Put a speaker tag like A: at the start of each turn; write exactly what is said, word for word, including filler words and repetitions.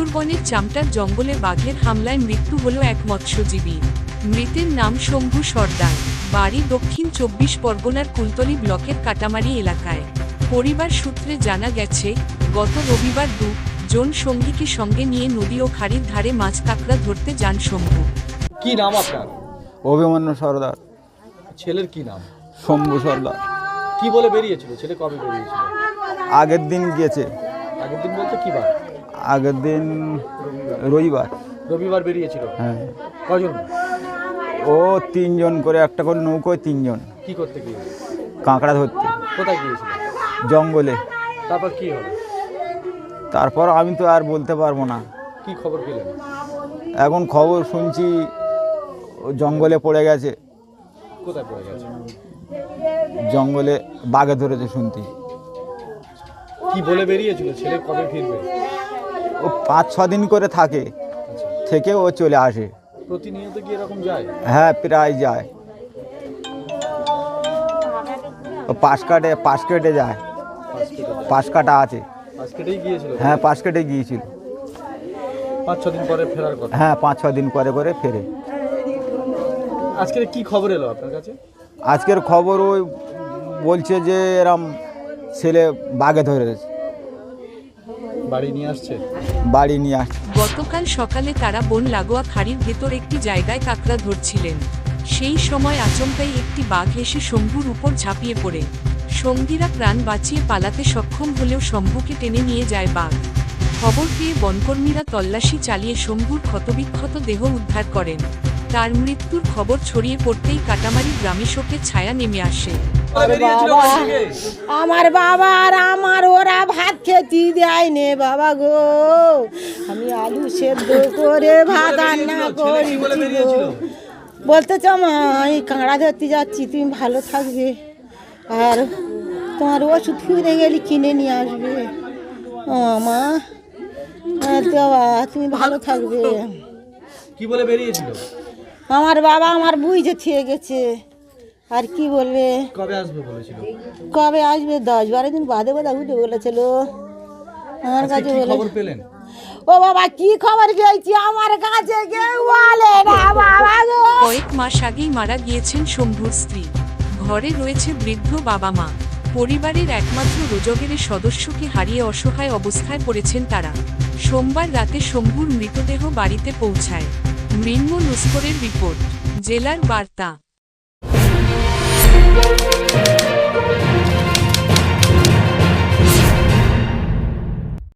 A: সুন্দরবনের চামটার জঙ্গলে বাঘের হামলায় মৃত্যু হল এক মৎস্যজীবীর। মৃতের নাম শম্ভু সর্দার, বাড়ি দক্ষিণ চব্বিশ পরগনার কুলতলি ব্লকের কাটামারি এলাকায়। পরিবার সূত্রে জানা গেছে, গত রবিবার দু জন সঙ্গীকে সঙ্গে নিয়ে নদী ও খাড়ির ধারে মাছ কাঁকড়া ধরতে যান শম্ভু।
B: কি নাম আপনার?
C: অভিমন্যু সর্দার।
B: ছেলের কি নাম?
C: শম্ভু সর্দার।
B: কি বলে বেরিয়েছিল? ছেলে কবে বেরিয়েছিল?
C: আগের দিন গিয়েছে।
B: আগের দিন বলতে কি বার?
C: আগের দিন রবিবার।
B: রবিবার বেরিয়েছিল।
C: হ্যাঁ।
B: কজন?
C: ও তিনজন করে, একটা করে নৌকোয় তিনজন।
B: কি করতে গিয়ে?
C: কাঁকড়া ধরতে।
B: কোথায় গিয়েছিল?
C: জঙ্গলে।
B: তারপর কি হলো?
C: তারপর আমি তো আর বলতে পারবো না।
B: কি খবর পেলেন?
C: এখন খবর শুনছি ও জঙ্গলে পড়ে গেছে।
B: কোথায় পড়ে গেছে?
C: জঙ্গলে বাঘে ধরেছে শুনছি।
B: কি বলে বেরিয়েছিল? ছেলে কবে ফিরবে?
C: ও পাঁচ ছ দিন করে থাকে, থেকে ও চলে আসে।
B: প্রতিনিয়ত কি এরকম যায়?
C: হ্যাঁ, প্রায় যায়। ও পাশ কাটে পাশ কেটে যায়। পাশ কাটা আছে।
B: পাঁচ কেটেই গিয়েছিল?
C: হ্যাঁ, পাশ কেটে গিয়েছিল।
B: পাঁচ ছ দিন পরে ফেরার কথা?
C: হ্যাঁ, পাঁচ ছ দিন করে করে ফেরে।
B: আজকে কি খবর এলো আপনার কাছে?
C: আজকের খবর ওই বলছে যে এরম ছেলে বাঘে ধরেছে,
B: বাড়ি নিয়ে আসছে।
C: বাড়ি নিয়ে আসছে।
A: গতকাল সকালে তারা বন লাগোয়া খাড়ির ভেতর একটি জায়গায় কাঁকড়া ধরছিলেন। সেই সময় আচমকাই একটি বাঘ এসে শম্ভুর উপর ঝাঁপিয়ে পড়ে। সঙ্গীরা প্রাণ বাঁচিয়ে পালাতে সক্ষম হলেও শম্ভুকে টেনে নিয়ে যায় বাঘ। খবর পেয়ে বনকর্মীরা তল্লাশি চালিয়ে শম্ভুর ক্ষতবিক্ষত দেহ উদ্ধার করেন। তার মৃত্যুর খবর ছড়িয়ে পড়তেই কাটামারি গ্রামে শোকের ছায়া নেমে আসে।
D: আমার বাবা আর আমার ওরা ভাত খেতে দেয়নি বাবা গো। আমি আলু সেদ্ধ করে ভাত রান্না করি। বলতে চাও মা, আমি কাঁকড়া ধরতে যাচ্ছি, তুমি ভালো থাকবে, আর তোমার ওষুধ ফিরে গেলে কিনে নিয়ে আসবে। ও মা, দেওয়া তুমি ভালো থাকবে।
B: কি বলে বেরিয়েছিল?
D: আমার বাবা আমার বুঝে থেকে গেছে, আর কি বলবে।
B: কবে আসবে বলেছিল?
D: কবে আসবে? দশ বারো দিন বাদে বাদে উঠে বলেছিল আমার কাছে। বলে
B: খবর পেলেন?
D: ও বাবা, কি খবর পেয়েছি? আমার কাছে কেউ বলে না বাবা গো।
A: কয়েক মাস আগেই মারা গিয়েছেন শম্ভুর স্ত্রী। ঘরে রয়েছে বৃদ্ধ বাবা মা। পরিবারের একমাত্র রোজগের সদস্যকে হারিয়ে অসহায় অবস্থায় পড়েছেন তারা। সোমবার রাতে শম্ভুর মৃতদেহ বাড়িতে পৌঁছায়। মৃন্ময় নস্করের রিপোর্ট, জেলার বার্তা।